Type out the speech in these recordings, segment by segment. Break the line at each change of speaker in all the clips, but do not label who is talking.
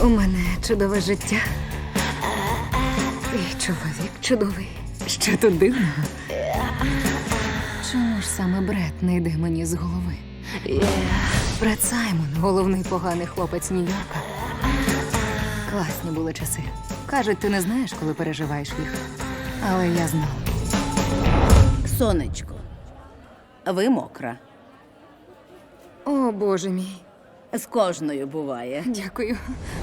У мене чудове життя. І чоловік чудовий. Що тут дивного? Чому ж саме Бред не йде мені з голови? Бред Саймон, головний поганий хлопець Нью-Йорка. Класні були часи. Кажуть, ти не знаєш, коли переживаєш їх. Але я знала.
Сонечко, ви мокра.
О, Боже мій.
З кожною буває.
Дякую.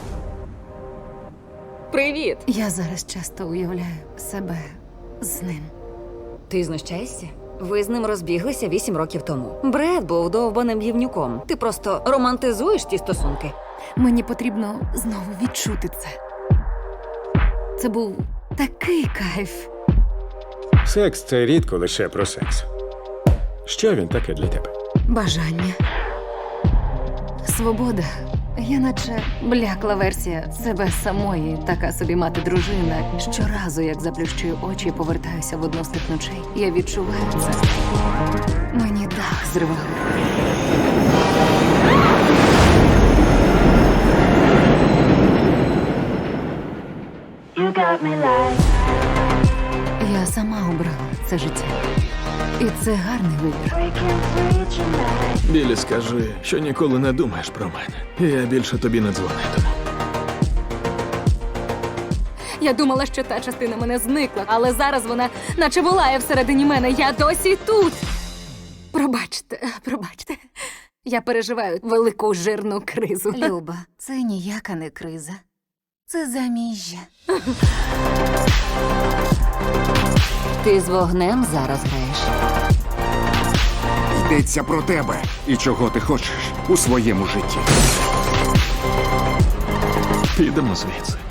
Привіт!
Я зараз часто уявляю себе з ним.
Ти знущаєшся? Ви з ним розбіглися 8 років тому. Бред був довбаним гівнюком. Ти просто романтизуєш ті стосунки.
Мені потрібно знову відчути це. Це був такий кайф.
Секс – це рідко лише про секс. Що він таке для тебе?
Бажання. Свобода. Я наче блякла версія себе самої, така собі мати-дружина. Щоразу, як заплющую очі і повертаюся в одну з тих ночей, я відчуваю це. Мені дах зривало. Я сама обрала це життя. І це гарний вибір.
Білі, скажи, що ніколи не думаєш про мене. Я більше тобі не дзвонитиму.
Я думала, що та частина мене зникла, але зараз вона наче волає всередині мене. Я досі тут. Пробачте. Я переживаю велику жирну кризу. Люба, це ніяка не криза. Це заміжжя.
Ти з вогнем зараз граєш.
Йдеться про тебе і чого ти хочеш у своєму житті.
Підемо звідси.